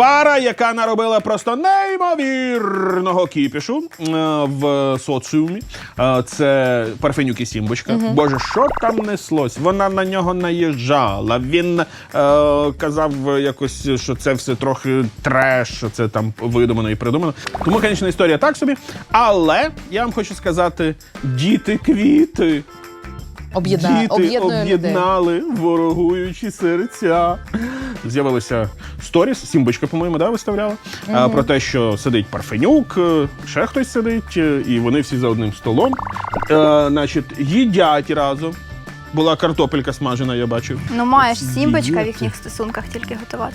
Пара, яка наробила просто неймовірного кіпішу в соціумі. Це Парфенюк і Сімбочка. Боже, що там неслось? Вона на нього наїжджала. Він казав якось, що це все трохи треш, що це там видумано і придумано. Тому, звісно, історія так собі. Але я вам хочу сказати, діти-квіти. Діти об'єднали ворогуючі серця. З'явилися сторіс, Сімбочка, по-моєму, виставляла, про те, що сидить Парфенюк, ще хтось сидить, і вони всі за одним столом. Значить, їдять разом. Була картопелька смажена, я бачив. Ну, маєш Сімбочка в їхніх стосунках тільки готувати.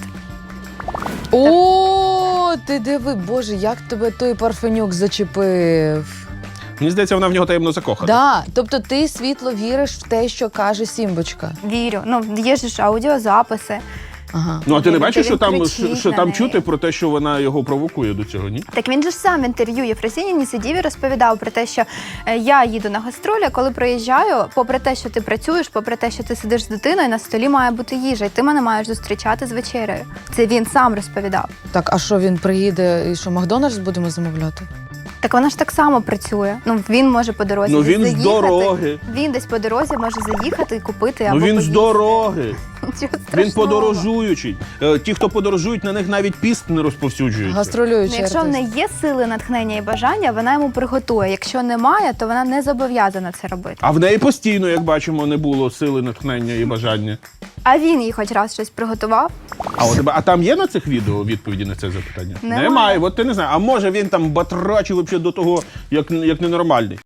О, ти диви, Боже, як тебе той Парфенюк зачепив. Мені здається, вона в нього таємно закохана. Да, тобто ти світло віриш в те, що каже Сімбочка. Вірю. Ну, є ж аудіозаписи. Ага. Ну, а ти не Він бачиш, що там, кричить що на там неї. чути про те, що вона його провокує до цього, ні? Так він же ж сам в інтерв'ю Єфросиніні сидів і розповідав про те, що я їду на гастролі, а коли приїжджаю, попри те, що ти працюєш, попри те, що ти сидиш з дитиною, на столі має бути їжа, і ти мене маєш зустрічати з вечерею. Це він сам розповідав. Так, а що він приїде і що, Макдональдс будемо замовляти? Так вона ж так само працює. Ну, він може по дорозі Ну, десь він з заїхати. дороги. Він десь по дорозі може заїхати і купити або Ну він з поїсти. дороги. Нічого Він страшного. подорожуючий. Ті, хто подорожують, на них навіть піст не розповсюджується. Ну, Гастролюючий якщо в артист. неї є сили, натхнення і бажання, вона йому приготує. Якщо немає, то вона не зобов'язана це робити. А в неї постійно, як бачимо, не було сили, натхнення і бажання. А він їй хоч раз щось приготував. А там є на цих відео відповіді на це запитання? Немає. От ти не знаєш. А може він там батрачив взагалі до того, як ненормальний.